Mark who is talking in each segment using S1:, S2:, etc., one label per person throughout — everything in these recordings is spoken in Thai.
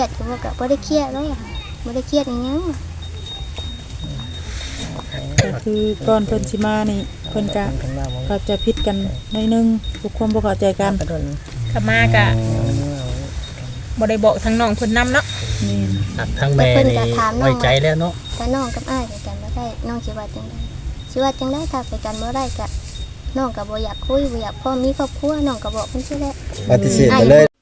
S1: รียดก็บ่ก็บ่ได้เครียดเลยบ่ได้เครียดอีหยัง
S2: ก็คือก่อนเพิ่นสิมานี่เพิ่นก็เข้าใจผิดกันหน่อยนึงทุกคนบ่เข้าใจกัน
S3: ก็มากะบ่ได้บอกทั้งน้องเพิ่นนำเนาะ
S2: นี่
S4: ทั้งแม่นี่ไว้ใจแล้วเนาะ
S1: ถ้าน้องกับอ้ายไปกันบ่ได้น้องสิว่าจังได๋สิว่าจังได๋ถ้าไปกันบ่ได้ก็น้องก็บ่อยากคุยบ่อยากพ่อมีครอบครัวน้องก็บอกเพิ่นซิแหละ
S5: ปฏิเสธไปเลย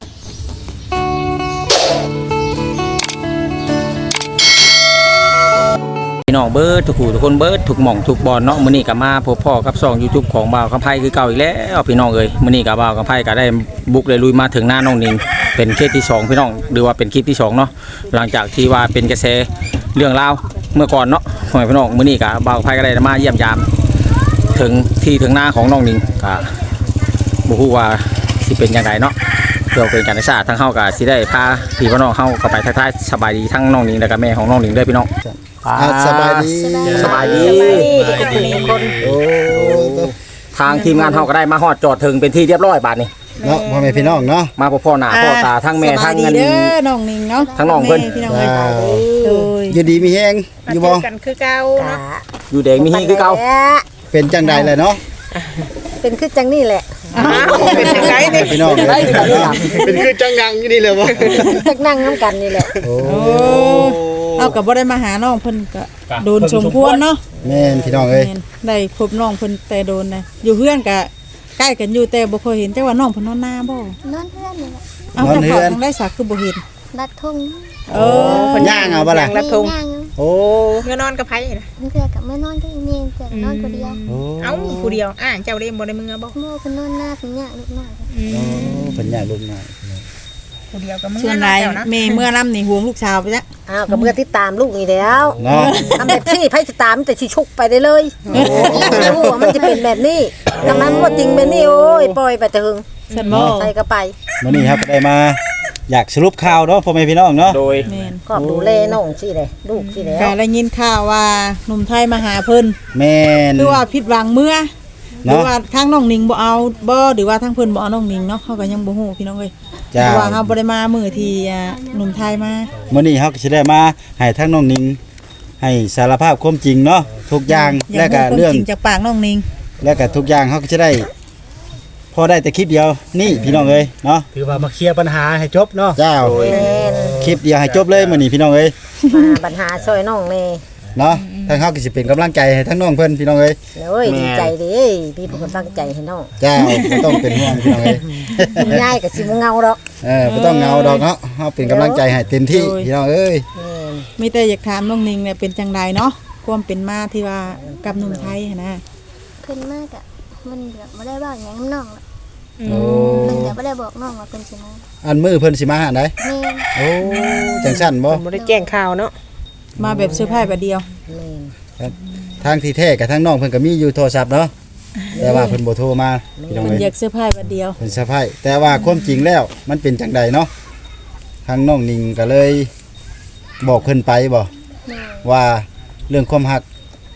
S4: พี่น้องเบิร์ดทุกผู้ทุกคนเบิร์ดทุกหม่องทุกบอลเนาะมื้อนี้ก็มาพบพ่อกับช่อง YouTube ของบ่าวคำไผคือเก่าอีกแล้วพี่น้องเอ้ยมื้อนี้ก็บ่าวคำไผก็ได้บุกได้ลุยมาถึงหน้าน้องนิงเป็นเคสที่2พี่น้องหรือว่าเป็นคลิปที่2เนาะหลังจากที่ว่าเป็นกระแสเรื่องราวเมื่อก่อนเนาะพี่น้องมื้อนี้ก็บ่าวคำไผก็ได้มาเยี่ยมยามถึงที่ถึงหน้าของน้องนิงก็บ่ฮู้ว่าสิเป็นจังไดเนาะเดี๋ยวเป็นการศึกษาทั้งเฮาก็สิได้พาพี่น้องเฮาก็ไปทักทายสบายดีทั้งน้องนิงและก็แม่ของน้องนิงด้วยพี่น้อง
S5: สบายดี
S4: สบายดี
S3: คน
S5: โอ้
S4: ทางทีมงานเฮาก็ได้มาฮอดจอดถึงเป็นที่เรียบร้อยบาดนี้
S5: เนาะพ่อแม่พี่น้องเนาะ
S4: มาพ่อหน้าพ่อตาทั้งแม่ทั้งเงิน
S2: เด้อน้องนิงเนาะ
S4: ทั้งน้องเพิ่น
S2: พี่น้องเอ้ยโดย
S5: อยู่ดีมีแฮงอยู่บ่
S3: กันคือเก่าเนาะ
S4: อยู่แดงมีฮีคือเก่า
S5: เป็นจังใดเลยเนาะ
S6: เป็นคือจังนี่แหละ
S3: เป็นจังได๋นี่
S5: พี่น้องเป็นคือจังงังอยู่นี่แหละบ่
S6: จักนั่งนำกันนี่แหละ
S5: โอ้
S2: เอาก็บ่ได้มาหาน้องเพิ่นก็โดนสมควรเนาะ
S5: แม่นพี่น้องเอ้ย
S2: ได้พบน้องเพิ่นแต่โดนนะอยู่เฮือนก็ใกล้กันอยู่แต่บ่เคยเห็นจังว่าน้องเพิ่นนอนหน้าบ่
S1: นอนเฮือนนี่แหละ
S2: เอาแต่เขาต้องได้สักคือบ่เห็น
S1: ลัดทุ่ง
S5: เพิ่นย่างเอาบ่ล่ะ
S3: ลัดทุ่ง
S5: โอ้
S3: เมื่อนอนกับไผน่ะ
S1: เพื่อกับเมื่อนอนก็อีเมลแต่นอนคนเดียว
S3: เอ้าผู้เดียวเจ้าเด้บ่ได้มือบ่
S1: โม่เพิ่นนอนหน้าเพิ่นยากลูกน้อย
S5: เพิ่นย่างลูกน้อย
S3: ผู้เดียวก็มือ
S2: ส่วนใดแม่เมื่อนํนี่ห่วงลูกสาวไปจ้ะ
S6: ก็เมื่อติดตามลูกนี่แล้วเนาะทำแบบที่ไผสิตามแต่สิชุกไปได้เลยไม่รู้ว่ามันจะเป็นแบบนี้ดังนั้นว่าจริงเป็นนี่โอ้ยปล่อยไปถึง
S2: ฉันบ่
S6: ไปก็ไป
S5: มื้อนี้ครับก็ได้มาอยากสรุปข่าวเนาะพ่อแม่พี่น้องเนาะ
S4: โดย
S6: ก็ดูแลน้องสิเลยลูกสิแล้ว
S2: ก็ได้ยินข่าวว่าหนุ่มไทยมาหาเพิ่น
S5: แม่น
S2: คือว่าผิดหวังเมื่อหรือว่าทางน้องนิงบ่เอาบ่หรือว่าทางเพิ่นบ่เอาน้องนิงเนาะเฮาก็ยังบ่ฮู้พี่น้องเอ้ยเพราะว่าเฮาบ่ได้มามื้อที่หนุ่มไทยมา
S5: มื้อนี้เฮาก็สิได้มาให้ทางน้องนิงให้สารภาพความจริงเนาะทุกอย่างและก็เรื่อง
S2: จริงจากปากน้องนิง
S5: และก็ทุกอย่างเฮาก็จะได้พอได้แต่คลิปเดียวนี่พี่น้องเอ้ยเนาะ
S4: ถือว่ามาเคลียร์ปัญหาให้จบเนาะ
S5: เจ้าคลิปเดียวให้จบเลยมื้อนี้พี่น้องเอ้ย
S6: ปัญหาช่วยน้องแน่
S5: เนาะทางเฮาก็สิเป็นกำลังใจให้ทั้งน้องเพิ่นพี่น้องเอ้ย
S6: โอ้ยดีใจดิพี่เพิ่นตั้งใจให้น้อง
S5: เจ้าบ่ต้องเป็นห่วงพี่น้องเอ้ย
S6: ง่ายก็สิบ่เงาดอก
S5: บ่ต้องเงาดอกเนาะเฮาเป็นกำลังใจให้เต็มที่พี่น้องเอ้ย
S2: มีแต่อยากถามน้องนิงเนี่ยเป็นจังไดเนาะความเป็นมาที่ว่ากับหนุ่มไทยนะ
S1: เพิ่นมากอ่ะมันแบบบ่ได้เว้าหยังกับน้องเพิ่นก็บ่ได้บอกน้องว่าเพิ่นสิมา
S5: อันมื้อเพิ่นสิมาหาได
S1: แม่
S5: โอ้จังซั่นบ่
S3: บ่ได้แจ้งข่าวเนาะ
S2: มาแบบเซอร์ไพรส์แบบเดียว
S5: ครับทางที่แท้กับทางน้องเพิ่นก็มีอยู่โทรศัพท์เนาะแต่ว่าเพิ่นบ่โทรมาพี่น้องเอ้ย
S2: อยากเซอร์ไพรส์แบบเดียว
S5: เพิ่นเซอร์ไพรส์แต่ว่าความจริงแล้วมันเป็นจังใดเนาะทางน้องนิงก็เลยบอกเพิ่นไปบ่ว่าเรื่องความรัก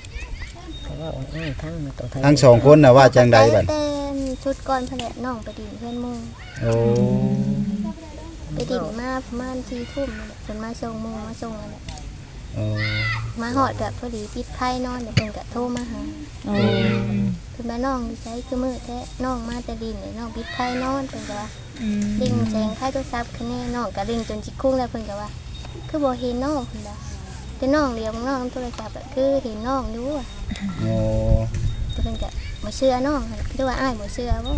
S5: ทั้งสองคนน่ะว่าจังใดบัด
S1: ชุดก่อนแผลน้องไปดินเพื่อนมุ่ง
S5: โอ้
S1: ไปดินมาประมาณ4 ทุ่มเพิ่นมาส่งมุ่งมาส่งอะไรมาหอดกับพอดีปิดไพ่นอนเดี๋ยวเพิ่นก็โทรมาหาเพิ่นมาน้องใช้คือมือแท้น้องมาแต่ดินน้องปิดไพ่นอนเพิ่นก็ว่าลิงแสงไพ่โทรศัพท์คะแนนน้องก็ลิงจนจิกคุ้งแล้วเพิ่นก็ว่าคือบ่เห็นน้องเพิ่นว่าแต่น้องเลี้ยงน้องโทรศัพท์คือเห็นน้องอยู่
S5: โอ้
S1: เพิ่นก็บ่เชื่อน้องคือว่าอ้ายบ่เชื่อบ่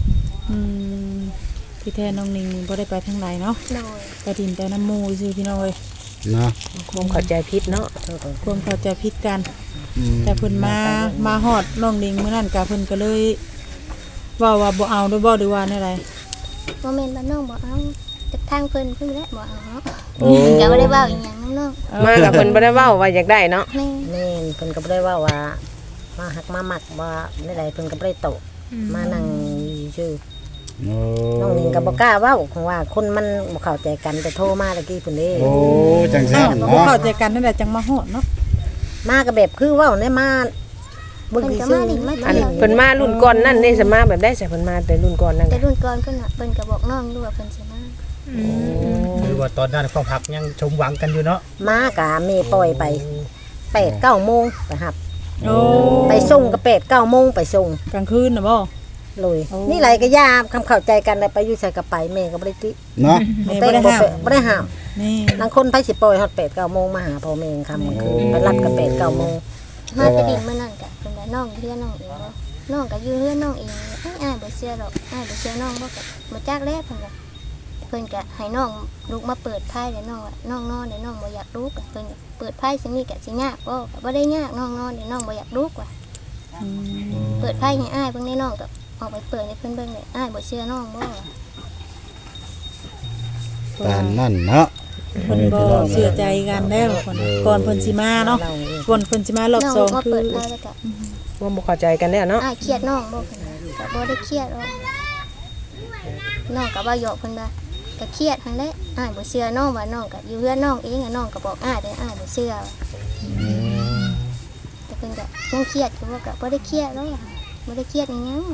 S2: ที่แท้น้องนิงบ่ได้ไปทางใดเนาะไปดินแต่น้ำมูซื่อพี่น้องเอ้ย
S5: เนาะ
S3: ความเข้าใจผิดเนาะ
S2: ความเข้าใจผิดกันแต่เพิ่นมาฮอดน้องนิงมื้อนั้นก็เพิ่นก็เลยว่าบ่เอาด้วยบ่หรือว่าแนวใด
S1: บ่แม่นว่าน้องบ่เอาแต่ทางเพิ่นแหละบ่เอาเนาะก็บ่ได้เว้าอีหยังน้อง
S3: มากับเพิ่นบ่ได้เว้าว่าอยากได้เนาะ
S6: แม่นเพิ่นก็บ่ได้ว่ามาหักมามักว่าใดๆเพิ่นก็บ่ได้โตมานั่งชื่อน้องนิงก็บ่กล้าเว้าเพราะว่าคนมันบ่เข้าใจกันแต่โทรมาตะกี้เพิ่นเด้
S5: โอ้จังซั่นเนาะ
S2: บ่เข้าใจกันนั่นแหละจังมาฮอดเนาะ
S6: มาก็แบบคือเว้าได้มา
S1: เพิ่นก็มาดิมา
S3: เพิ่นมารุ่นก่อนนั่นนี่สิมาแบบได้สิเพิ่นมาแต่รุ่นก่อนนั่น
S1: แต่รุ่นก่อนเพิ่นก็บอกน้องด้วยว่าเพิ่นสิมา
S7: คือว่าตอนนั้นความหักยังชมหวังกันอยู่เนาะ
S6: มากะแม่ปล่อยไป8-9 โมงไปหับ
S2: โอ้
S6: ไปส่งก็8-9 โมงไปส่ง
S2: กลางคืนน่ะบ่
S6: เลย
S2: โอ้
S6: นี่ไรก็ยามคำเข้าใจกันแล้วไปอยู่ใส่กระไปแม่ก็บ่ได้ติ
S5: เนาะ
S2: แม่บ่ได้ห้าม
S6: บ่ได้ห้าม
S2: นี่
S6: บางคนไปสิปล่อยฮอด8-9 โมงมาหาพ่อแม่ค่ำกลางคืนไปรับกัน8-9 โมง
S1: มาไปดินเมื่อนั้นกะเป็นว่าน้องเพื่อนน้องเองบ่น้องก็อยู่เพื่อนน้องเองอ้ายบ่เชื่อหรอกอ้ายบ่เชื่อน้องบ่ก็บ่จักแล้วเพิ่นก็ให้น้องลุกมาเปิดไพ่เดี๋ยวน้องว่าน้องนอนเดี๋ยวน้องบ่อยากลุกเพิ่นก็เปิดไพ่สิมีก็สิยากบ่ได้ยากน้องนอนเดี๋ยวน้องบ่อยากลุกว่ะเปิดไพ่ให้อ้ายเบิ่งในน้องก็ออกไปเปิดให้เพิ่นเบิ่งเลยอ้ายบ่เชื่อน้องบ่
S5: ปานนั่นเนาะ
S2: เพิ่นบ่เชื่อใจกันแล้วก่อนเพิ่นสิมาเนาะก่อนเพิ่นสิมารอบ
S1: น้อง
S2: สอง
S1: มา
S2: คื
S1: เปิ
S2: อ
S1: ดไพ่แล้วก็
S8: ว่าบ่เข้าใจกันแล้วเนาะ
S1: อ้ายเครียดน้องบ่เพิ่นก็บ่ได้เครียดหรอกน้องก็ว่าหยอกเพิ่นว่าก็เครียดหั่นแหละอ้ายบ่เชื่อน้องว่าน้องก็อยู่เฮือนน้องเองน้องก็บอกอ้ายแต่อ้ายบ่เชื่อแต่เพิ่นก็ยังเครียดอยู่ว่าก็บ่ได้เครียดหรอกบ่ได้เครียดอีหยัง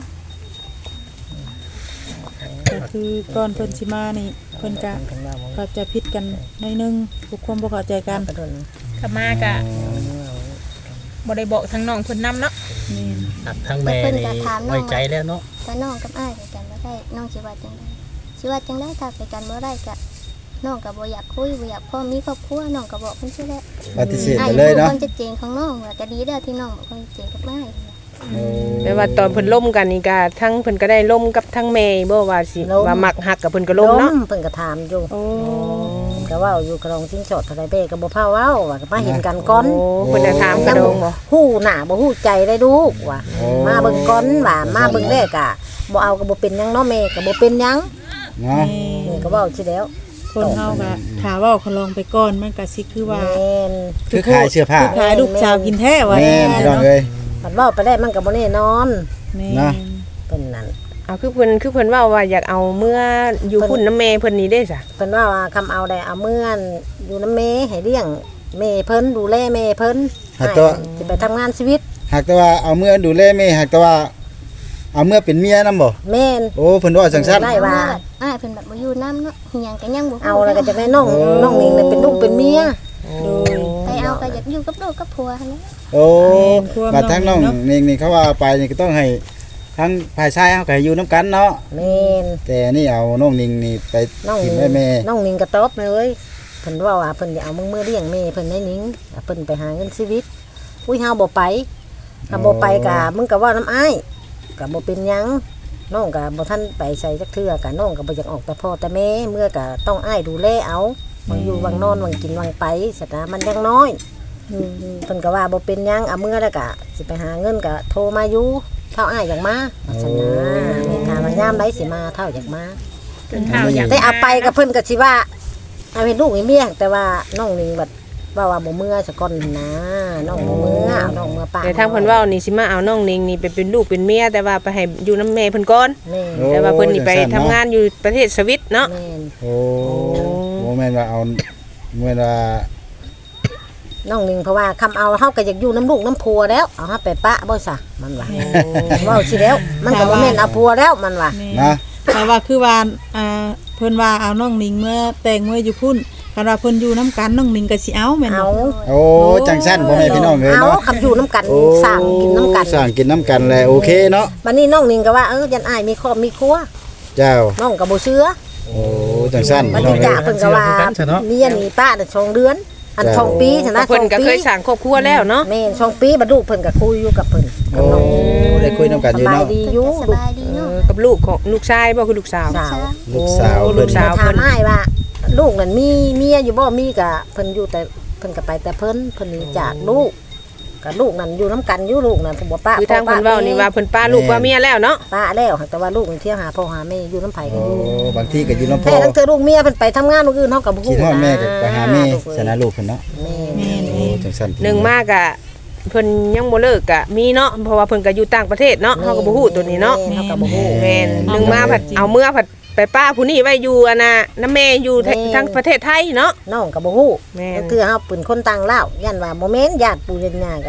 S2: ก็คือก่อนเพิ่นสิมานี่เพิ่นก็เข้าใจผิดกันหน่อยนึงทุกคนบ่เข้าใจกัน
S3: กลับมากะบ่ได้บอกทางน้องเพิ่นนํเนาะ
S2: นี่
S7: หักทั้งแม่นี่ไว้ใจแล้วเนาะ
S1: ถ้าน้องกับอ้ายไปกันบ่ได้น้องสิว่าจังได๋สิว่าจังได๋ถ้าไปกันบ่ได้ก็น้องก็บ่อยากคุยบ่อยากพ่อมีครอบครัวน้องก็บอกเพิ่นซื่อแหละ
S5: ปฏิเสธ
S1: อ้า
S5: ไป
S1: ย
S5: เลย
S1: รู้
S5: เนาะ
S1: ความชัดเจนของน้องว่าก็ดีแล้วที่น้องบอกความชัดเจนกับอ้าย
S8: แต่ว่าตอนเพิ่นล่มกันนี่ก็ทั้งเพิ่นก็ได้ล่มกับทั้งแม่บ่ว่าสิว่ามักฮักกับเพิ่นก็ล่มเนาะ
S6: เพิ่นก็ถามอยู่
S2: โอ้
S6: ก็เว้าอยู่กระดองจิ้งจดเท่าไรเบ้ก็บ่พาเว้าว่าก็มาเห็นกันก่อน
S8: โอ้เพิ่นจะถามกระโดงบ่
S6: ฮู้หน้าบ่ฮู้ใจได้ดูว่ามาเบิ่งก่อนว่ามาเบิ่งแรกอ่ะบ่เอาก็บ่เป็นหยังเนาะแม่ก็บ่เป็นหยัง
S5: เนาะ
S6: นี่ก็เว้าสิแล้ว
S2: คนเฮาก็ถ้าเว้าเขาลองไปก่อนมันก็สิคือว่า
S6: แม่น
S5: คือขายเสื้อผ้า
S2: ขายลูกสาวกินแท้ว่า
S5: แม่นพี่น้องเอ้ย
S6: มันเว้าไปได้มันก็บ่แน่นอน
S2: แม่
S5: นะ
S6: เป็นนั่น
S8: เอาคือเพิ่นเว้าว่าอยากเอาเมื่ออยู่พุ่นน้ำแม่เพิ่นนี่เด้ซะ
S6: เพิ่นว่าคำเอาได้เอาเมื่อนอยู่นำแม่ให้เลี้ยงแม่เพิ่นดูแลแม่เพิ่น
S5: หากแต่ว่า
S6: สิไปทำงานชีวิต
S5: หากแต่ว่าเอาเมื่อดูแลแม่หากแต่ว่าเอาเมื่อเป็นเมียนำบ่
S6: แม่น
S5: โอ้เพิ่นว่าจังซั่น
S6: ได้ว่า
S1: อ้ายเพิ่นแบบบ่อยู่นำเนาะเฮียงก็ยังบ่
S6: เอาแล้วก็จะได้น้องนิ่งเนี่ยเป็นลูกเป็นเมีย
S2: โดย
S1: ไปเอาก็อยากอยู่กับลูกกับผัวหั่นแหละ
S5: โอ้
S2: แม่น
S5: บัดทั้งน้อง
S2: เนาะ
S5: นี่เขาว่าไปนี่ก็ต้องให้ทั้งฝ่ายชายเฮาก็ให้อยู่นํกันเนาะ
S6: แม่น
S5: แต่นี่เอาน้องนิงนี่ไป
S6: น้อง
S5: กิ
S6: นิ่
S5: น
S6: ง
S5: ได้แม่
S6: น้องนิ่งก็ตอบเลยเพิ่นว่าเพิ่นจะเอามือเลี้ยงแม่เพิ่นได้นิ่งเพิ่นไปหาเงินชีวิตอุ้ยเฮาบ่ไปถ้าบ่ไปก็มึงก็ว่าน้ำอ้ายก็บ่เป็นหยังน้องก็บ่ทันไปใส่จักเทื่อก็น้องก็บ่อยากออกแต่พ่อแต่แม่เมื่อก็ต้องอ้ายดูแลเอาบางอยู่บางนอนบางกินบางไปสตามันยังน้อยเพิ่นก็ว่าบ่เป็นหยังเอาเมื่อแล้วก็สิไปหาเงินก็โทรมาอยู่เท่าอ้ายอยากมาว่าซั่นนะแม่ถามว่ายามใดสิมาเท่าอยากมา
S3: จนเท่าอยาก
S6: แต่เอาไปกับเพิ่นก็สิว่าเอาเป็นลูกให้เมียแต่ว่าน้องนิ่งบัดว่าบ่เมื่อซะก่อนนะน้องบ่เมื่อเอาน้องเมื่อป้า
S8: แต่ทางเพิ่นเว้านี่สิมาเอาน้องนิงนี่ไปเป็นลูกเป็นเมียแต่ว่าไปให้อยู่น้ำแม่เพิ่นก่อน
S6: แม่
S5: โอ้
S8: แต่ว่าเพิ่นนี่ไปทำงานอยู่ประเทศสวิตเนาะ
S6: แม่น
S5: โอ้บ่แม่นว่าเอาแม่นว่า
S6: น้องนิ่งเพราะว่าคำเอาเฮาก็อยากอยู่น้ำลูกน้ำผัวแล้วเอาเฮาไปปะบ่ซะมันว่าเว้าสิแล้วมันก็บ่แม่นเอาผัวแล้วมันว่า
S5: นะ
S2: แต่ว่าคือว่าเพิ่นว่าเอาน้องนิงเมื่อแต่งเมื่ออยู่พุ่นคันว่าเพิ่นอยู่นํกันน้องนิงก็สิเอาแม่น
S6: เอา
S2: บ่
S5: โอ้จังซั่นพ่อแม่พี่น้องเอ้ย
S6: เอา
S5: เนาะ
S6: คำอยู่น้ำกัน
S5: โอ้
S6: สร้างกินน้ำกัน
S5: สร้างกินน้ำกันแหละโอเคเนาะ
S6: บัดนี้น้องนิ่งก็ว่ายันอ้ายมีครอบมีครัว
S5: เจ้า
S6: น้องก็บ่เชื่อ
S5: โอ้จังซั่น
S6: บัด
S5: พี่น้อ
S6: นี้
S5: งเอ้
S6: จ่าย เพิ่นก็ว่าเมียนี่ป้าน่ะ2 เดือนอัน2 ปีชนะ
S8: เพิ่นก็
S6: 2 ปี
S8: เคยสร้างครอบครัวแล้วเนาะ
S6: แม่น2 ปีบัดลูกเพิ่นก็คุยอยู่กับเพิ่น
S5: โอ้ได้คุยน้ำกัน
S6: ส
S5: อยู่
S6: บาย
S5: เนาะ
S6: ดีอยู่
S1: ส
S6: ลูก
S1: บายดีเนาะ
S8: กับลูกของลูกชายบ่คือลูกสาว
S6: สาว
S5: ลูกสาว
S8: โอ้
S5: เพิ่น
S8: ลูกสาว
S6: ถามอ้ายว่า ลูกนั่นมีเมียอยู่บ่มีก็เพิ่นอยู่แต่เพิ่นก็ไปแต่เพิ่นหนีจากลูกก็ลูกนั่นอยู่น้ำกันอยู่ลูกนั่นผมบ่ป้า
S8: คือทางเพิ่นเว้านี่ว่าเพิ่นป้าลูกว่าเมียแล้วเนาะ
S6: ป้าแล้วแต่ว่าลูกนี่เที่ยวหาพ่อหาแม่อยู่น้ำไผกั
S5: โอ้
S6: นอยู่
S5: บางทีก็อยู่น้ำพ่
S6: แต่
S5: อ
S6: ทั้งเธอลูกเมียเพิ่นไปทำงานลูกอื่นเฮาก็บ่
S5: คิ
S6: ฮู้
S5: ดฮอดแม่ก็ไปหาแม่
S6: ลูก
S5: ชนะลูกเพิ่นเนาะ
S6: แม่
S5: โอ้จังซั่น
S8: หนึ่งมากอะเพิ่นยังบ่เลิกกะมีเนาะเพราะว่าเพิ่นก็อยู่ต่างประเทศเนาะเฮาก็บ่ฮู้ตัวนี้เนาะ
S6: เฮาก็บ่ฮู้
S8: แม่นหนึ่งมาผัดเอาเมื่อผัดไปป้าผู้นี้ไว้อยู่อะนะน้าแม่อยู่ทั้งประเทศไทยเนาะ
S6: น้องก็บ่ฮู้
S8: แม่น
S6: ก็คือเฮาเป็นคนต่างลาวยันว่าบ่แม่นญาติปู่ญาติกัน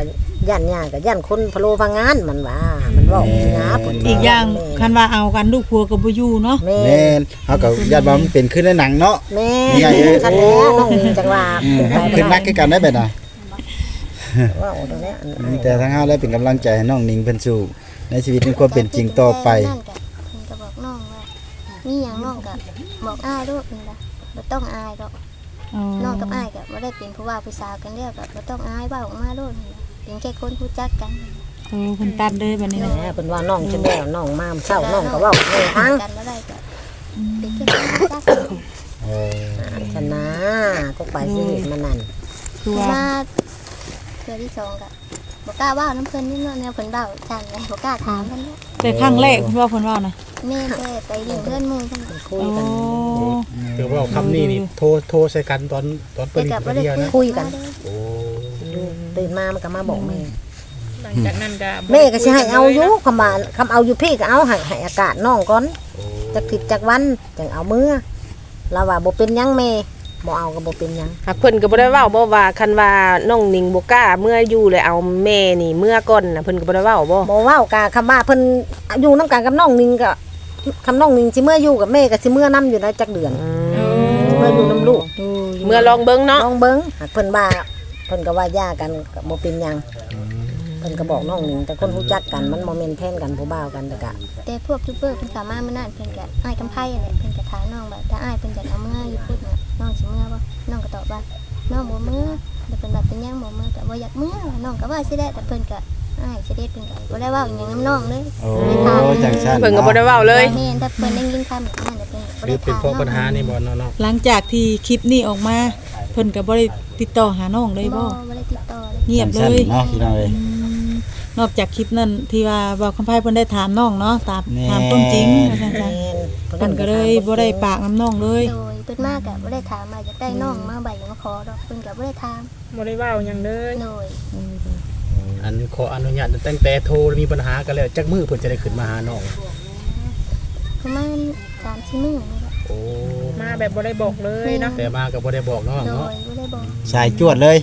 S6: ย่านยากก็ย่านคนพะโลพางานมันว่ามันเว้าหยาเพิ่น
S2: อีกอย่างคันว่าเอากันลูกผัวก็บ่อยู่เนาะ
S6: แม่
S5: แม่นเฮาก็ญาติว่ามันเป็นขึ้นในหนังเนาะ
S6: แม่
S5: นี่ไงเอ้ย
S6: คันแล้วน้องนิงจังว่า
S5: ขึ้นนักคือกันได้แบบน่ะ
S6: ว่าโอ้ตรงเนี้ย
S5: มีแต่ทั้งเฮาได้เป็นกำลังใจให้น้องนิงเพิ่นสู่ในชีวิตในความเป็นจริงต่อไป
S1: นั่นก็เพิ่นก็บอกน้องว่ามีหยังน้องก็บอกอ้ายโลดนี่ล่ะบ่ต้องอายดอก น้องกับอ้ายก็บ่ได้เป็นผู้ว่าผู้สาวกันแล้วก็บ่ต้องอายเว้าออกมาโลดนี่ล่ะเป็นแค่คนรู้จักกัน
S2: เเพิ่นตัดเลยบัดนี้
S6: แห
S2: เนาะ
S6: มเพิ่นว่าน้องจังแล้วน้องมาเช้าน้องก็เว้าแม่ทั้ง
S1: กันบ่ได้ก็เป็นแค่คนรู้จักกัน
S5: เออ
S6: ชนะก็ไปสิเฮ็ดมันนั่น
S2: คือว่า
S1: มาเทื่อที่สองก็บ่กล้าเว้าน้ำเพิ่นนี่เนาะแนวเพิ่นเว้าจังไงบ่กล้าถามเพิ่นเนาะ
S2: แต่ครั้งแรกเพิ่นว่าเพิ่นว่านะ
S1: แม่แต่ไปเลี้ยงเพื่อนหมู่เพิ่น
S6: คุย
S2: โอ้
S6: กัน
S7: ถือว่าคำนี้นี่โทรใส่กันตอนเปิ
S1: แต่
S7: ด
S1: ก็บ่
S7: คน
S1: ได้
S7: เดียวนะ
S6: คุยกัน
S7: โอ้
S6: ตื่นมามันก็มาบอกแม่
S3: หลังจากนั้นก็
S6: แม่ก็สิให้เอาอยู่คำเอาอยู่พี่ก็เอาให้อากาศน้องก่อนจักทิศจักวันจังเอามือแล้วว่าบ่เป็นหยังแม่บ่เอาก็บ่เป็นหยัง
S8: หากเพิ่นก็บ่ได้เว้าบ่ว่าคันว่าน้องนิงบ่กล้าเมื่ออยู่เลยเอาแม่นี่เมื่อก่อนน่ะเพิ่นก็บ่ได้เว้าบ่
S6: บ่เว้ากะคำว่าเพิ่นอยู่นํกันกับน้องนิงก็คำน้องนิงสิเมื่ออยู่กับแม่ก็สิเมื่อนํอยู่นะจักเดือนเมื่ออยู่นํลูก
S8: เมื่อลองเบิ่งเนาะ
S6: น้องเบิ่งหากเพิ่นว่าเพิ่นก็ว่าย่ากันก็บ่เป็นหยังเพิ่นก็บอกน้องนิงแต่คนรู้จักกันมันบ่แม่นแทนกันผู้บ่าวกันแต่ก็
S1: แต่พวกยูทูบเบอร์เพิ่นเข้ามามื้อนั้นเพิ่นก็อ้ายกำไผนั่นแหละเพิ่นก็ถามน้องว่าถ้าอ้ายเพิ่นจะเอาเมื่ออยู่พุ่นน่ะน้องสิเมื่อบ่น้องก็ตอบว่าน้องบ่เมื่อแต่เพิ่นว่าเป็นหยังบ่เมื่อก็บ่อยากเมื่อน้องก็ว่าสิได้แต่เพิ่นก็อ้ายสิได้เพิ่นก็บ่ได้เว้าอีหยังนำน้องเลย
S5: โอ้จังซั่น
S8: เพิ่นก็บ่ได้เว้าเลย
S1: แม่นถ้าเพิ่นได้ยินคำแบบนั้นเดี๋ยวเพิ่นก็บ่
S7: หรื
S1: ได้
S7: อเป็น
S1: ถาม
S7: เพราะปัญหานี่บ่เนาะ
S2: หลังจากที่คลิปนี้ออกมาเพิ่นก็บ่ได้ติดต่อหาน้องเลยบ่
S1: บ่ได้ติดต่อเลย
S2: เงียบเล
S5: จัง
S2: ย
S5: ซั่นเนาะพี่น้องเอ้ย
S2: นอกจากคลิปนั้นที่ว่าเว้าคำไผเพิ่นได้ถามน้องเนาะตาม
S5: แน่
S2: ถามต้นจริงว่าซั่น
S6: แม่
S2: จ้ะ
S6: น
S2: เพิ่นก็เลยบ่ได้ปากน้ำน้องเลย
S1: โดยเพิ่นมาก็บ่ได้ถามว่าอยากได้น้องมาใบมาขอดอกเพิ่นก็บ่ได้ถาม
S3: บ่ได้เว้าหยังเลย
S1: โดย
S7: อันขออนุญาตตั้งแต่โทรมีปัญหากันแล้วจักมือเพิ่นจะได้ขึ้นมาหาน้อง
S1: ประมาณ3-4มื้อนี่แหละ
S7: โอ้
S3: มาแบบบ่ได้บอกเลยเนาะ
S7: แต่มาก็บ่ได้บอกน้อง
S1: โด
S7: เนาะ
S1: ยบ่ได้บอก
S5: สายจวดเลย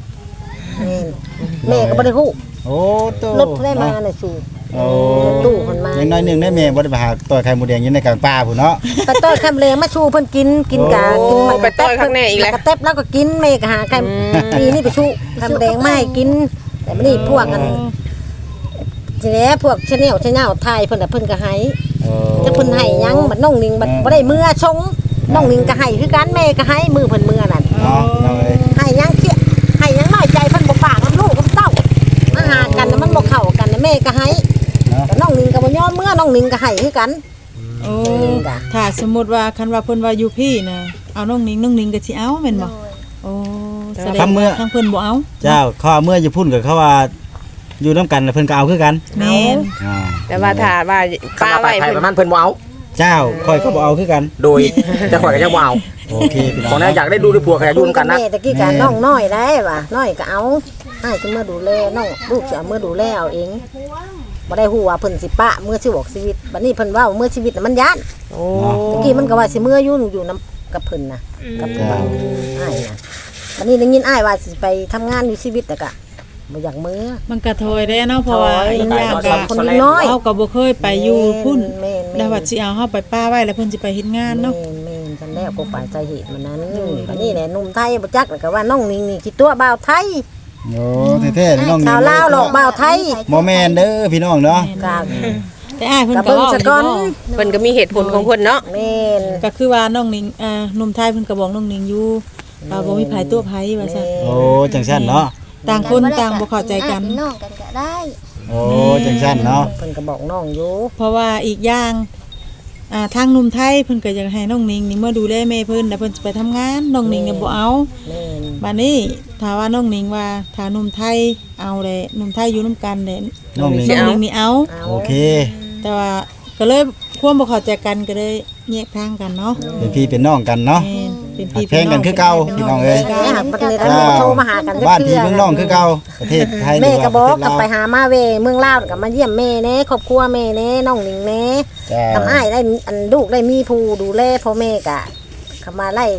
S6: แม่นแม่ก็บ่ได้ฮู้
S5: โอ้โต
S6: รถได้มาน่ะสู่
S5: โอ้
S6: ตู้เพิ่นมา
S5: อย่างน้อยหนึงได้แม่บ่ได้ไปหาต่อยไข่หมูแดงอยู่ในกลางป่าพุ่นเนาะ
S6: ไปต้อยคำเลมาชูเพิ่นกินกะกินมัน
S8: ไปต้อยข้างในอีกแล้ว
S6: กระเต็บแล้วก็กินแม่ก็หาไก่ปีนี่ไปชูคำแดงมาให้กิน แต่มื้อนี้พวกกันทีนี้พวกชาแนลไทยเพิ่นน่ะเพิ่นก็ให้
S5: โอ้
S6: จะเพิ่นให้หยังบัดน้องนิงบัดบ่ได้มือชงน้องนิงก็ให้คือกันแม่ก็ให้มือเพิ่นมือนั่น
S5: เนาะพี่น้องเอ้ย
S6: ให้หยังเคี้ยให้หยังน้อยใจเพิ่นบ่ปากกับลูกกับเต้ามาหากันน่ะมันบ่เข้ากันน่ะแม่ก็ให้
S5: เนาะ
S6: แต่น้องนิงก็บ่ยอมมือน้องนิงก็ให้คือกัน
S2: โอ้ถ้าสมมุติว่าคันว่าเพิ่นว่าอยู่พี่น่ะเอาน้องนิงก็สิเอาแม่น
S1: โด
S2: บ่
S1: ย
S2: โอ้แสดงว่าทางเพิ่นบ่เอา
S5: เจ้าเขาเอาเมื่ออยู่พุ่นกับเขาว่าอยู่นํกันแล้วเพิ่นก็เอาคือกัน
S2: แม่น
S5: อ่า
S8: แต่ว่าถ้าว่าป้าไว้
S4: ไผ
S8: เพิ่น
S4: ประมาณเพิ่นบ่เอา
S5: เจ้าค่อยก็บ่เอาคือกัน
S4: โดยจะข่อยก็ยังบ่เอา
S5: โอเคพี่น้อง
S4: ของแน่อยากได้ดูด้วยผัวก็อยากอยู่นำกันนะ
S6: แม่ตะกี้ก็น้องน้อยได้ว่ะน้อยก็เอาให้สิมาดูแลน้องลูกสิเอามือดูแลเอาเองบ่ได้ฮู้ว่าเพิ่นสิปะมือสิบอกชีวิตบัดนี้เพิ่นเว้ามือชีวิตน่ะมันย้าน
S8: โอ้
S6: ตะกี้มันก็ว่าสิมืออยู่นํกับเพิ่นน่ะกับเพิ่นอ้ายน่ะบัดนี้ได้ยินอ้ายว่าสิไปทำงานอยู่ชีวิตแต่ก็บ่อยากมือ
S2: มันก็ถอยได้เนาะเพราะว่า
S6: ถอย
S2: อีกอย่างก็
S6: คนน้อย
S2: เฮาก็บ่เคยไปอยู่พุ่น
S6: แม่น
S2: แล้วว่าสิเอาเฮาไปป้าไว้แล้วเพิ่นสิไปเฮ็ดงานเนาะ
S6: แม่นกันแล้วก็ไปใจเหตุมันนั้นบัดนี้แหละหนุ่มไทยบ่จักแล้วก็ว่าน้องนิงนี่คิดตัวบ่าวไทย
S5: โอ้แท้ๆพี่น้อง
S6: ชาวลาวหลอกบ่าวไทย
S5: บ่แม่นเด้อพี่น้องเนาะ
S6: ก็
S2: แต่อ้ายเพิ่น
S6: ก็
S2: ก็
S6: เบิ่ง
S2: เว้า
S6: ซะ
S2: อยู่
S6: ก่อน
S2: บ่
S8: เพิ่นก็มีเหตุผลของเพิ่นเนาะ
S6: แม่น
S2: ก็คือว่าน้องนิงหนุ่มไทยเพิ่นก็บอกน้องนิงอยู่ว่าบ่มีไผตัวไผว่าซั่น
S5: โอ้จังซั่นเนาะ
S2: ต่างคนต่างบ่เข้าใจกัน
S1: เป็นน้องกันก็ได้
S5: โอ้จังซั่นเนาะ
S6: เพิ่นก็บอกน้องอยู่
S2: เพราะว่าอีกอย่างทางหนุ่มไทยเพิ่นก็อยากให้น้องนิงนี่มาดูแลแม่เพิ่นแล้วเพิ่นสิไปทำงานน้องนิงเนี่ยบ่เอา
S6: แม่น
S2: บัดนี้ถ้าว่าน้องนิงว่าถ้าหนุ่มไทยเอาแหละหนุ่มไทยอยู่นํกันแหละ
S5: น้องนี่
S2: น้องนิงนี่เอา
S6: เอา
S5: โอเค
S2: แต่ว่าก็เลยความบ่เข้าใจกันก็เลยแยกทางกันเนาะ
S5: เป็นพี่เป็นน้องกันเนาะ
S2: แม่นเป็น
S5: หั
S2: พี่
S5: กแพงกันคือเก่าพี่น้องเอ้ย
S6: แม่หักประเทศไทยโทรมาหากัน
S5: บ้านพี่เมืองน้องคือเก่าประเทศไทย
S6: แม่ก็บอก
S5: หรื
S6: กับ
S5: ว่า
S6: ไปหามาเวเมืองลาวก็มาเยี่ยมแม่แน่ครอบครัวแม่แน่น้องนิงแน่
S5: จ้า
S6: ทำอ้ายได้อันลูกได้มีผู้ดูแลพ่อแม่ก็เขามาไล่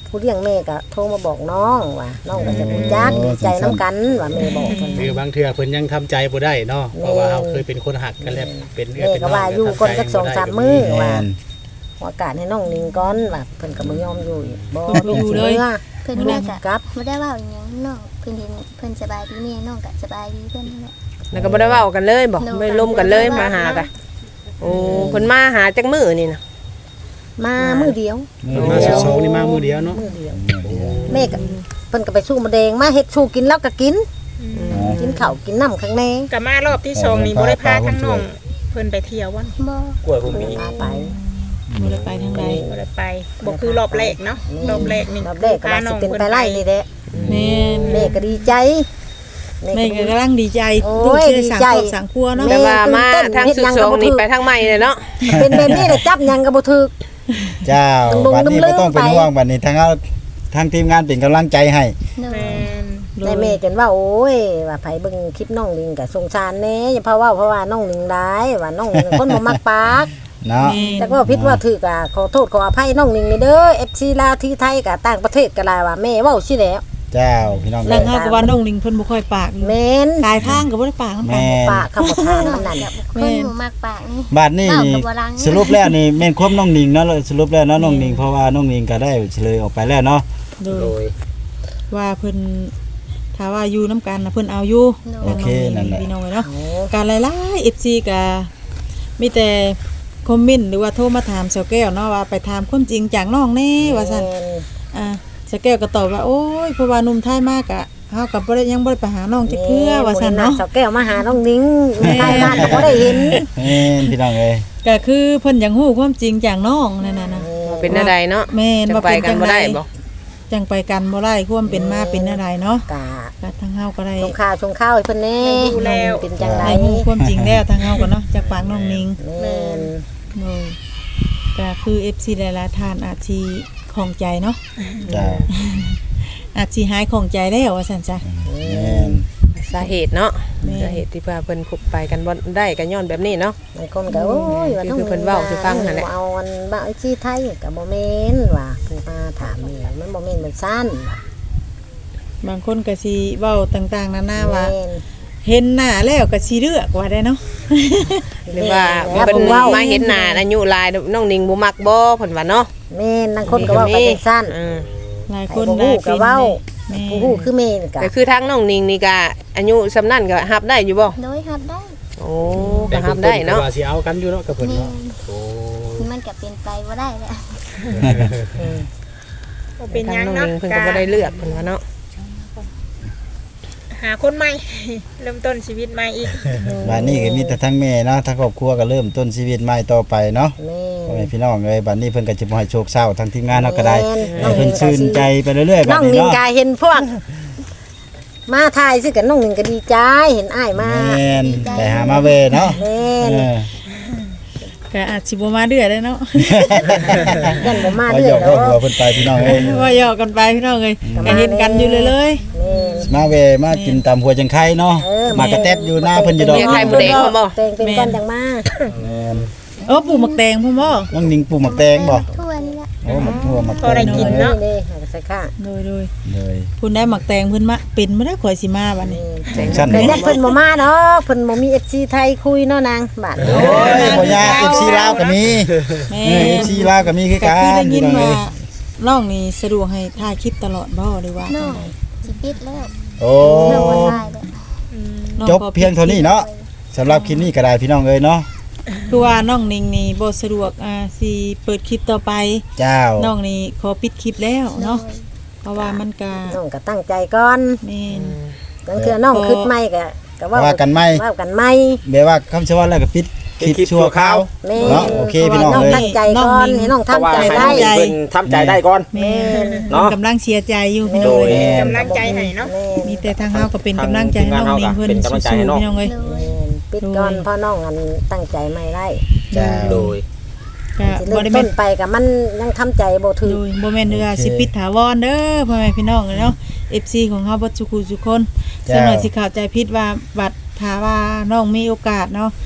S6: ผู้เลี้ยงแม่ก็โทรมาบอกน้องว่าน้องก็จะรู้จักดีใจน้ำกันว่าแม่บอกเพิ่น
S7: คือบางเทื่อเพิ่นยังทำใจบ่ได้เนาะเพราะว่าเราเคยเป็นคนหักกันแล้วเป็นเอื้อ
S6: แม่
S7: เป็น
S6: ก็
S7: น้อง
S6: ว่าอยู่ก่อนสัก2-3 มื้อว่า
S5: แม่น
S6: ขอโอกาสให้น้องนิงก่อนว่าเพิ่นก็บ่ยอมอยู่อีกบ่
S2: เพิ่นบ่อยู่เลย
S1: เพิ่นแม่ก็กลับบ่ได้เว้าอีหยังน้องเพิ่นเห็นเพิ่นสบายดีแม่น้องก็สบายดีเพิ่นนั่นแหละ
S8: แล้วก็บ่ได้เว้ากันเลยบ่ไม่ล่มกันเลยมาหากันโอ้เพิ่นมาหาจักมื้อนี่นะ
S6: มามื้อเดียว
S7: มาสองนี่มามื้อเดียวเนาะ
S6: มื้อเดียวแม่ก็เพิ่นก็ไปสู้มะแดงมาเฮ็ดสู้กินแล้วก็กินกินข้าวกินน้ำข้างใน
S3: ก็มารอบที่2นี่บ่ได้พาทั้งน้องเพิ่นไปเที่ยววัน
S1: บ่
S4: กล้วยผมมี
S6: พาไป
S2: บ่ได้ไปทางใด
S3: บ่ได้ไปบ่คือรอบแรกเนาะรอบแรกนี่
S6: รอบแรกก็ว่าสิเป็นไปไล่นี่แหละ
S2: แม่น
S6: แม่ก็ดีใจ
S2: แม่ก็กำลังดีใจ
S6: โอ้
S2: ลูก
S6: ย
S2: สิได้สร้าง
S6: ดีใจ
S2: ครอบสร้างครัวเนาะ
S8: แต่ว่ามาทางสุดสองนี่ไปทางใหม่เลยเนาะ
S6: เป็นแบบนี้แหละจับหยังก็บ่ถูก
S5: เจ้า
S6: ต้อง
S5: บัดนี้
S6: ลื
S5: บ่
S6: ม
S5: ต้องเป็น
S6: ไป
S5: ห่วงบัดนี้ทางทีมงานเป็นกำลังใจให้
S1: โดย
S3: แม่น
S6: แต่แม่จนว่าโอ้ยว่าไผเบิ่งคลิปน้องลิงก็สงสารแน่อย่าเพราะว่าน้องลิงได้ว่าน้องลิงคนบ่มักปาก
S5: เนาะ
S6: แต่ก็ผิดว่าถูกอ่ะขอโทษขออภัยน้องลิงนี่เด้อ FC ลาวที่ไทยกับต่างประเทศก็หลายว่าแม่เว้าสิแล้ว
S5: เจ้าพี่น้อง
S2: แล้ว
S5: เอ้ย
S2: เฮาก็ว่าน้องลิงเพิ่นบ่ค่อยปาก
S6: แม่น
S2: หลายทางก็บ่ได้ปากนำกัน
S5: แม่น
S6: ปากคำบ่ทางมันนั่น
S1: คนหูมากปากนี่
S5: บัดนี้
S1: เว้ากับบ่รัง
S5: สรุปแล้วนี่แม่นความน้องนิงเนาะสรุปแล้วเนาะน้องนิงเพราะว่าน้องนิงก็ได้เฉลยออกไปแล้วเนาะ
S2: โด
S7: โด
S2: ย
S7: ย
S2: ว่าเพิ่นถ้าว่าอยู่นํกันน่ะเพิ่นเอาอยู่
S5: โอเคนั่นแหละ
S2: พี่น้องเนาะการหลายๆ FC ก็มีแต่คอมเมนต์หรือว่าโทรมาถามเสาแก้วเนาะว่าไปถามความจริงจากน้องแน่ว่าซั่นเสาแก้วก็ตอบว่าโอ้ยเพราะว่าหนุ่มไทยมากอะเฮาก็บ่ได้ยังบ่ได้ไปหาน้องจักเทื่อว่าซั่นเนาะ
S6: สาวแก้วมาหาน้องลิงใต้บ้านก็บ่ได้เห็น
S5: แม่นพี่น้องเอ้ย
S2: ก็คือเพิ่นอยากฮู้ความจริงจากน้องนั่นน่ะนะ
S8: เป็นอะไรเนาะ
S2: แม่น
S8: จะ
S2: ว่า
S8: ไป
S2: เป็น
S8: กั
S2: จั
S8: น
S2: ง
S8: บ่
S2: ได
S8: ได้บ่
S2: จังไปกันบ่ได้ความเป็นมาเป็นอะไรเนาะ
S6: กะ
S2: ก็ทางเฮาก็ได้
S6: ชงข้าวให้เพิ่นแน่เป็นจังได
S2: ได้ฮู้ความจริงแล้วทางเฮาก็เนาะจากปากน้องนิง
S6: แม่น
S2: โอ้ยก็คือ FC หลายๆท่านอาจสิของใจเนาะ
S5: เจ้า
S2: อาจสิหายของใจแล้วว่าซั่นจ้ะ
S5: แม่น
S8: สาเหตุเนาะ
S2: แม่
S8: สาเหตุที่ว่าเพิ่นคบไปกันบ่ได้ก็ย้อนแบบนี้เนาะ
S6: บางคนก็โอ้ยว่าน้อง
S8: คือเพิ่นเว้าสิฟังนั่นแหละ
S6: เอาอันบ้าไอ้ที่ไทยก็บ่แม่นว่าเพิ่นมาถามนี่มันบ่แม่นมันสั้นว่ะ
S2: บางคนก็สิเว้าต่างๆนานาว่า
S6: แม่น
S2: เห็นหน้าแล้วก็สิเลือกว่าได้เนาะ
S8: หรือว่าเพิ่นมาเห็นหน้าอายุหลายน้องนิงบ่มักบ่เพิ่นว่าเนาะ
S6: แม่นบางคนก็เว้าไปจังซั่น
S2: หลายคน
S6: ไอ้
S2: หลาย
S6: ก็เว้า
S2: แม่
S6: ผู้ฮู้คือแม่นี่ก็
S8: ก็คือทางน้องนิงนี่ก็อายุสำนั้นก็รับได้อยู่บ่
S1: โดยรับได้
S8: โอ้ก็รับได้เนาะ
S7: ว่าสิเอากันอยู่เนาะกับเพิ่น
S1: แม่
S7: เนาะโอ้
S1: มันก็เป็นไปบ่ได้แหละ
S3: บ่เป็นห
S8: ทา
S3: ยัง ง
S8: น้อง
S3: เนาะ
S8: นิงเพิ่นก็บ่ได้เลือกเพิ่นว่าเนาะ
S3: หาคนใหม่ เริ่มต้นชีวิตใหม่อีก
S5: บัดนี้ก็มีแต่ทั้งแม่เนาะทั้งครอบครัวก็เริ่มต้นชีวิตใหม่ต่อไปเนาะ
S6: แม่
S5: พ่อแม่พี่น้องเอ้ยบัดนี้เพิ่นก็จะบ่ให้โชคเศร้าทั้งทีมงานเฮาก็ได้
S6: แม่น
S5: ให้เพิ่นชื่นใจไปเรื่อยๆบั
S6: น้
S5: ด
S6: อง
S5: นี้
S6: นิง
S5: เนาะ
S6: กาเห็นพวก มาทายซิกันน้องนิงก็ดีใจเห็นอ้ายมา
S5: แม่นไปหามาเวเนาะ
S6: แม่
S5: เอน อ
S2: ก็อาจสิบ่มาเดือดได้เนาะ
S6: ยันบ่มา
S5: ว่า
S6: เด้
S5: หย
S6: อ
S5: อก
S6: ดอก
S5: หัวเพิ่นไปพี่น้องเอ้ย
S2: ว่าหยอกกันไปพี่น้องเอ้ยก็เห็นกันอยู่เลย
S6: แม่น
S5: มาเวมากินตำหัวจังไข่เนาะ
S6: เออ
S5: มากระแตบอยู่หน้าเพิ่นอยู่ดอก
S8: เรียกใครบ่ได้เขาบ่
S6: แต่งเป็นก้อนจังมา
S5: แม่น
S2: เออปลูกหมักแตงพ่อบ่
S5: น้องนิงปลูกหมักแตงบ่
S1: ทั่วนี่แหละ
S5: โอ้หมักทั่วหมัก
S3: พอได้กินเนาะ
S6: นี่ใส่ข้าง
S2: โดย
S5: เลย
S2: คุณได้หมักแตงเพิ่นมาเป็นบ่ได้ข่อยสิมาบัดนี้
S5: ชั้น
S6: แต่
S5: นี้
S6: ยันเพิ่นบ่มาเนาะเพิ่นบ่มี FC ไทยคุยเนาะนางบาด
S5: โอ้ยบ่ยาก FC ลาวก็มี
S2: แม่
S5: FC ลาวก็มีคือ
S2: ก็
S5: กั
S2: คือได้
S5: น
S2: ยิ
S5: พี่
S2: น
S5: น้อง
S2: ว่า
S5: เอ้ย
S2: น้องนี่สะดวกให้ถ่ายคลิปตลอดบ่หรือว่า
S1: น้องสิปิดแล้ว
S5: โอ้
S1: เรื่องบ่ได้แล้ว
S2: น้อง
S5: จบเพียงเท่านี้เนาะสำหรับคลิปนี้ก็ได้พี่น้องเอ้ยเนาะ
S2: คือว่าน้องนิงนี่บ่สะดวกสิเปิดคลิปต่อไป
S5: เจ้า
S2: น้องนี่ขอปิดคลิปแล้วเนาะเพราะว่ามันก็
S6: น้องก็ตั้งใจก่อน
S2: แม่น
S6: บางเทื่อน้องคิดใหม่ก็
S5: ว่ากันไหม
S6: ว่ากันใหม่
S5: แบบว่าคำชะว่าแล้วก็ปิดคลิปชั่วคราว
S6: แม่
S5: เนาะโอเคพี่น้อง
S6: น้อง
S5: เอ้ย
S6: ตั้งใจก่อนให้น้องทำใจได้
S4: เพิ่นทำใจได้ก่อน
S2: แม่น
S4: เนาะ
S2: กำลังเสียใจอยู่พี่น้
S4: โด
S2: อง
S4: ย
S2: เอ้ย
S3: กำลังใจให้เนาะ
S2: มีแต่ทางเฮาก็เป็นกำลังใจให้น้องนิงเพิ่น
S4: เป็นกำลังใจ
S2: สู้
S4: ให้
S2: ๆ
S4: น้อง
S2: พี่น้องเอ้ย
S1: โดย
S6: ปิดก่อนเพราะน้องอันตั้งใจไม่ได้
S5: เจ้า
S4: โดย
S2: ก็
S6: สิ
S2: บ่
S6: เริ่ม
S2: ได้
S6: ต้
S2: แม่
S6: น
S2: น
S6: ไปกับมันยังทำใจบ่ถึ
S2: โด
S6: ง
S2: ยบ่แม่นว่าสิปิดถาวรเด้อพ่อแม่พี่น้องเนาะ FC ของเฮาบ่ทุกคู่ทุกคนส่วนหน่อยสิเข้าใจผิดว่าบัดถ้าว่าน้องมีโอกาสเนาะ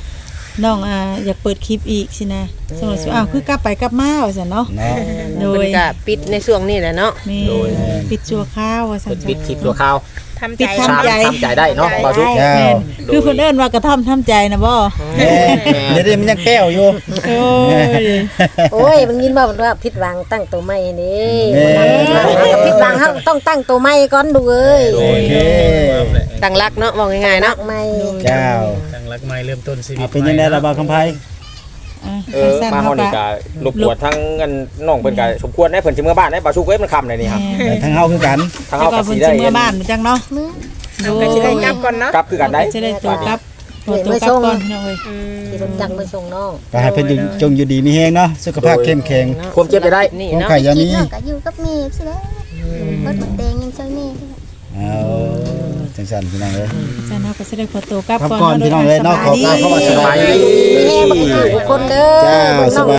S2: น้องอยากเปิดคลิปอีกสินะสมมุติว่าคือกลับไปกลับมาว่าซั่นเนาะ
S5: เนาะ
S2: โด
S8: เพิ่
S2: ย
S8: นก็ปิดในช่วงนี้แหละเนาะ
S2: แม่ปิดชั่วคราวว่าซั่
S4: เปิ
S2: น
S4: ดปิดคลิปตัวข่าว
S3: ทำ
S2: ปิ
S3: ใจ
S2: ดทำใจ
S4: ทำใจได้เนาะบ่าวสุก
S5: เจ้า
S2: แม่นคือเพิ่นเอิ้นว่ากระท่อมทำใจนะบ่
S5: แม่เดี๋ยวนี้มันยังแก้วอยู่
S2: โอ้ย
S6: โอ้ยมันยินบ่ว่าผิดหวังตั้งตัวใหม่นี่
S5: แม่
S6: ผิดหวังเฮาต้องตั้งตัวใหม่ก่อนดูเอ้ย
S5: โอเค
S8: ตั้งรักเนาะว่าง่ายๆ
S6: นั
S8: เนาะ
S6: กใหม่
S5: เจ้า
S7: ตั้งรักใหม่เริ่มต้นชีวิต
S5: เป็นยังไงล่ะบ่าวคำไผ
S4: มาเฮานี่ก็รบกวนทั้งเงินน้องเพิ่นก็สมควรได้เพิ่นสิเมื่อบ้านได้บ่าวสุกเอ้ยมันค่ำเลยนี่ครับ
S5: แต่ทั้งเฮาคือกัน
S4: ทาง
S2: แล้
S4: เฮาว
S2: ก็
S4: ก็
S2: เพิ่
S4: สิ
S2: น
S4: ได้
S2: สิเมื่อบ้านจังเนาะ
S1: มื้อ
S2: โด
S3: ก็สิได้กลับก่อนเนาะ
S4: กลับคือกันได้
S2: จะได้ตัวกลับตัวกลับก่อนพี่น้องเอ้ย
S6: ที่รถจักรไปส่งน้อง
S5: ก็ให้เพิ่นจงอยู่ดีมีแฮงเนาะสุขภาพเข้มแข็ง
S4: ความเจ็บจะได้
S8: นี่
S5: ความ
S8: เนาะ
S5: ไข่อยา
S1: คิด
S5: มี
S1: เนาะก็อยู่กับแม่สิแล้วเบิดหมดแดงยังช่วยแม่
S5: เอาจังซั่นพี่น้องเอ้ย
S2: จันเฮาก็สิได้ขอตัวกลับ
S5: ครับ
S2: ก่อน
S5: ก่อนพี่น้องเอ้ยเนาะขอกราบเข้ามาสบายดี
S6: มีแห้งบ่คือทุกคนเด้อ
S5: เจ้า
S6: น้อง
S5: สบาย